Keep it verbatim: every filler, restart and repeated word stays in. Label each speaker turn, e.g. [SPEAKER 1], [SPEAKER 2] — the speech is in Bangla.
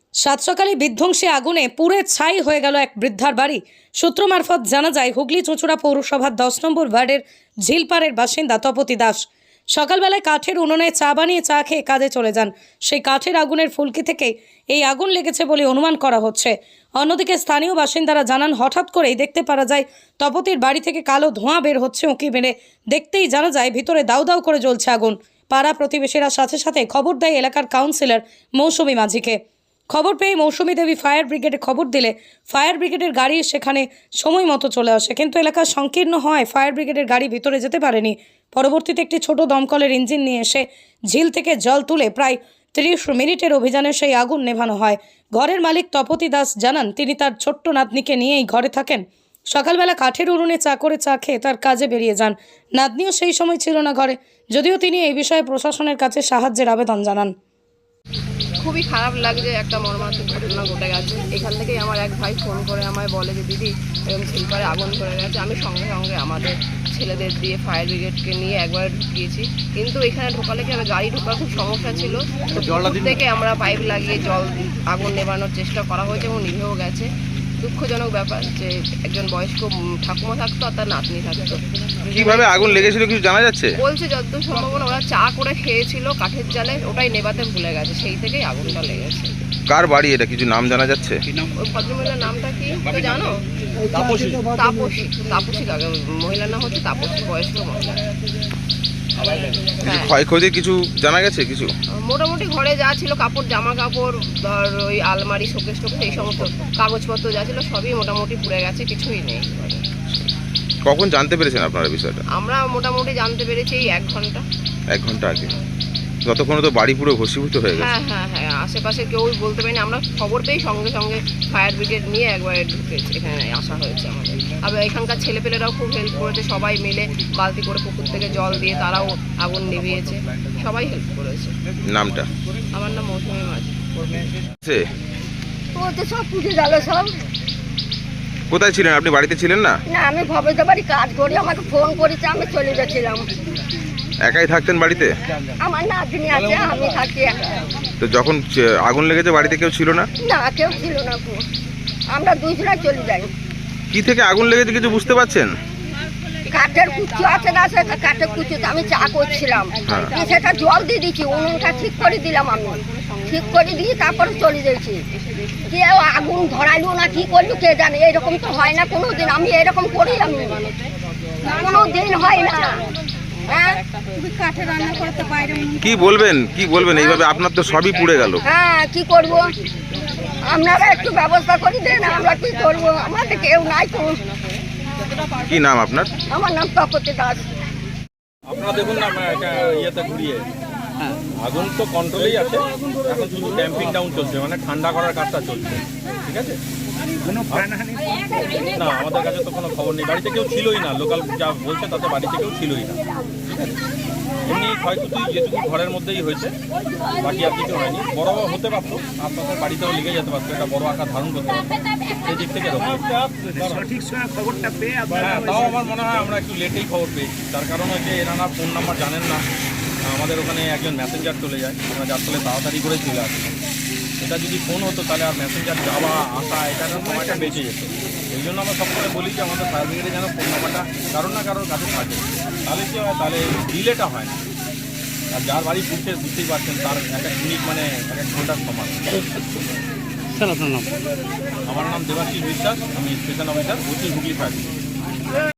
[SPEAKER 1] সাত সকালে বিধ্বংসী আগুনে পুড়ে ছাই হয়ে গেল এক বৃদ্ধার বাড়ি। সূত্র মারফত জানা যায়, হুগলি চুঁচুড়া পৌরসভার দশ নম্বর ওয়ার্ডের ঝিলপাড়ের বাসিন্দা তপতি দাস সকালবেলায় কাঠের উনুনে চা বানিয়ে চা খেয়ে কাজে চলে যান। সেই কাঠের আগুনের ফুলকি থেকে এই আগুন লেগেছে বলে অনুমান করা হচ্ছে। অন্যদিকে স্থানীয় বাসিন্দারা জানান, হঠাৎ করেই দেখতে পারা যায় তপতির বাড়ি থেকে কালো ধোঁয়া বের হচ্ছে। উঁকি মেরে দেখতেই জানা যায় ভিতরে দাউ দাউ করে জ্বলছে আগুন। পাড়া প্রতিবেশীরা সাথে সাথে খবর দেয় এলাকার কাউন্সিলর মৌসুমী মাঝিকে। খবর পেয়ে মৌসুমী দেবী ফায়ার ব্রিগেডে খবর দিলে ফায়ার ব্রিগেডের গাড়ি সেখানে সময় মতো চলে আসে, কিন্তু এলাকা সংকীর্ণ হয় ফায়ার ব্রিগেডের গাড়ি ভিতরে যেতে পারেনি। পরবর্তীতে একটি ছোট দমকলের ইঞ্জিন নিয়ে এসে ঝিল থেকে জল তুলে প্রায় তিরিশ মিনিটের অভিযানে সেই আগুন নেভানো হয়। ঘরের মালিক তপতি দাস জানান, তিনি তার ছোট্ট নাতনিকে নিয়েই ঘরে থাকেন। সকালবেলা কাঠের উনুনে চা করে চা খেয়ে তার কাজে বেরিয়ে যান। নাতনিও সেই সময় ছিল না ঘরে, যদিও তিনি এই বিষয়ে প্রশাসনের কাছে সাহায্যের আবেদন জানান।
[SPEAKER 2] খুবই খারাপ লাগছে, একটা মর্মান্তিক ঘটনা ঘটে গেছে। এখান থেকেই আমার এক ভাই ফোন করে আমায় বলে যে দিদি এরকম ঝিলপাড়ে আগুন ধরে গেছে। আমি সঙ্গে সঙ্গে আমাদের ছেলেদের দিয়ে ফায়ার ব্রিগেডকে নিয়ে একবার ঢুকিয়েছি, কিন্তু এখানে ঢোকালে কি হবে, গাড়ি ঢোকার খুব সমস্যা ছিল। থেকে আমরা পাইপ লাগিয়ে জল আগুন নেভানোর চেষ্টা করা হয়েছে এবং নিভেও গেছে। দুঃখজনক ব্যাপার যে একজন বয়স্ক ঠাকুমা থাকতো আর তার নাতনি থাকতো।
[SPEAKER 3] কিভাবে আগুন লেগেছিল কিছু জানা যাচ্ছে?
[SPEAKER 2] বলছে যতদূর সম্ভাবনা ওরা চা করে খেয়েছিল কাঠের জালে, ওটাই নেভাতে ভুলে গেছে, সেই থেকেই আগুনটা লেগেছে।
[SPEAKER 3] কার বাড়ি এটা কিছু নাম জানা যাচ্ছে?
[SPEAKER 2] ওই ভদ্রমহিলার নামটা কি তো জানো? তাপসী। তাপসী তাপসী মহিলার নাম হচ্ছে তাপসী, বয়স্ক মহিলা।
[SPEAKER 3] কিছু ক্ষয়ক্ষতির কিছু জানা গেছে? কিছু
[SPEAKER 2] মোটামুটি ঘরে যা ছিল, কাপড় জামা কাপড়, ধর ওই আলমারি শোকেস টোকেস এই সমস্ত কাগজপত্র যা ছিল সবই মোটামুটি পুড়ে গেছে, কিছুই নেই।
[SPEAKER 3] কখন জানতে পেরেছেন আপনারা বিষয়টা?
[SPEAKER 2] আমরা মোটামুটি জানতে পেরেছি এই এক ঘন্টা
[SPEAKER 3] এক ঘন্টা আগে। ততক্ষণে তো বাড়ি পুরো ভস্মীভূত হয়ে গেছে।
[SPEAKER 2] হ্যাঁ হ্যাঁ হ্যাঁ আশেপাশে কেউ বলতে পারিনি। আমরা খবর পেয়ে সঙ্গে সঙ্গে ফায়ার ব্রিগেড নিয়ে একবারে ঢুকেছে, এখানে আসা হয়েছে আমাদের। আবার এখানকার ছেলেপেলেরাও খুব হেল্প করেছে, সবাই মিলে বালতি করে পুকুর থেকে জল দিয়ে তারাও আগুন নিভিয়েছে, সবাই হেল্প করেছে।
[SPEAKER 3] নামটা?
[SPEAKER 2] আমার নাম মৌসুমী মাঝি।
[SPEAKER 4] ও তো সব পুজো গেল সব।
[SPEAKER 3] কোথায় ছিলেন আপনি? বাড়িতে ছিলেন না?
[SPEAKER 4] না, আমি ভবেতে বাড়ি কাজ করি, আমাকে ফোন করেছে, আমি চলে গেছিলাম।
[SPEAKER 3] একাই থাকতেন বাড়িতে?
[SPEAKER 4] আমার নাতনি আছে, আমি থাকি একা।
[SPEAKER 3] তো যখন আগুন লেগেছে বাড়িতে কেউ ছিল না?
[SPEAKER 4] না, কেউ ছিল না, আমরা দুজনে চলে যাই।
[SPEAKER 3] কি থেকে আগুন লেগেছে কিছু বুঝতে পারছেন?
[SPEAKER 4] কাঠের কুচু আছে না, সেটা কাঠের কুচুতে আমি চা করছিলাম, সেটা জল দিয়ে দিচ্ছি, উনুনটা ঠিক করে দিলাম, আমি ঠিক করে দিয়ে তারপরে চলে যাচ্ছি। কেউ আগুন ধরাইলো না কি করলো কে জানে, এরকম তো হয় না কোনো দিন। আমি এরকম করি, আমি কোনো দিন হয় না।
[SPEAKER 3] কি বলবেন কি বলবেন এইভাবে? আপনার তো সবই পুড়ে গেল।
[SPEAKER 4] হ্যাঁ, কি করব, আপনারা একটু ব্যবস্থা করে দেন, আমরা কি করব, আমাদের কেউ নাই তো।
[SPEAKER 3] কি নাম আপনার?
[SPEAKER 4] আমার নাম তপতি দাস।
[SPEAKER 5] আপনারা দেখুন না এটা ইয়েতে ঘুরিয়ে, আগুন তো কন্ট্রোলেই আছে, এখন শুধু ড্যাম্পিং ডাউন চলছে, মানে ঠান্ডা করার কাজটা চলছে। ঠিক আছে, না আমাদের কাছে তো কোনো খবর নেই, বাড়িতে কেউ ছিলই না, লোকাল যা বলছে তাতে বাড়িতে কেউ ছিলই না। ঠিক আছে, এমনি ক্ষয়ক্ষতি যেটুকু ঘরের মধ্যেই হয়েছে, বাকি আর কিছু হয়নি। বড় হতে পারতো, আপনাদের বাড়িতেও লেগে যেতে পারতো, এটা বড় আকার ধারণ করতে পারতো, সেই দিক থেকে সঠিক সময় খবরটা পেয়ে, হ্যাঁ তাও আমার মনে হয় আমরা একটু লেটেই খবর পেয়েছি। তার কারণ হচ্ছে এনারা ফোন নাম্বার জানেন না, আমাদের ওখানে একজন মেসেঞ্জার চলে যায়, আমরা যার ফলে তাড়াতাড়ি করেই চলে আসি। এটা যদি ফোন হতো তাহলে আর মেসেঞ্জার যাওয়া আসা এটার সময়টা বেঁচে যেত। এই জন্য আমরা সবসময় বলি যে আমাদের ফায়ার ব্রিগেডে যেন ফোন নাম্বারটা কারোর না কারোর কাছে থাকে, তাহলে কী হয়, তাহলে ডিলেটা হয় না। আর যার বাড়ি ঘুরতে বুঝতেই পারছেন, তার এক এক মিনিট মানে এক এক ঘন্টার সমান। স্যার আপনার নাম? আমার নাম দেবাশিস বিশ্বাস, আমি station officer, Hooghly fire brigade.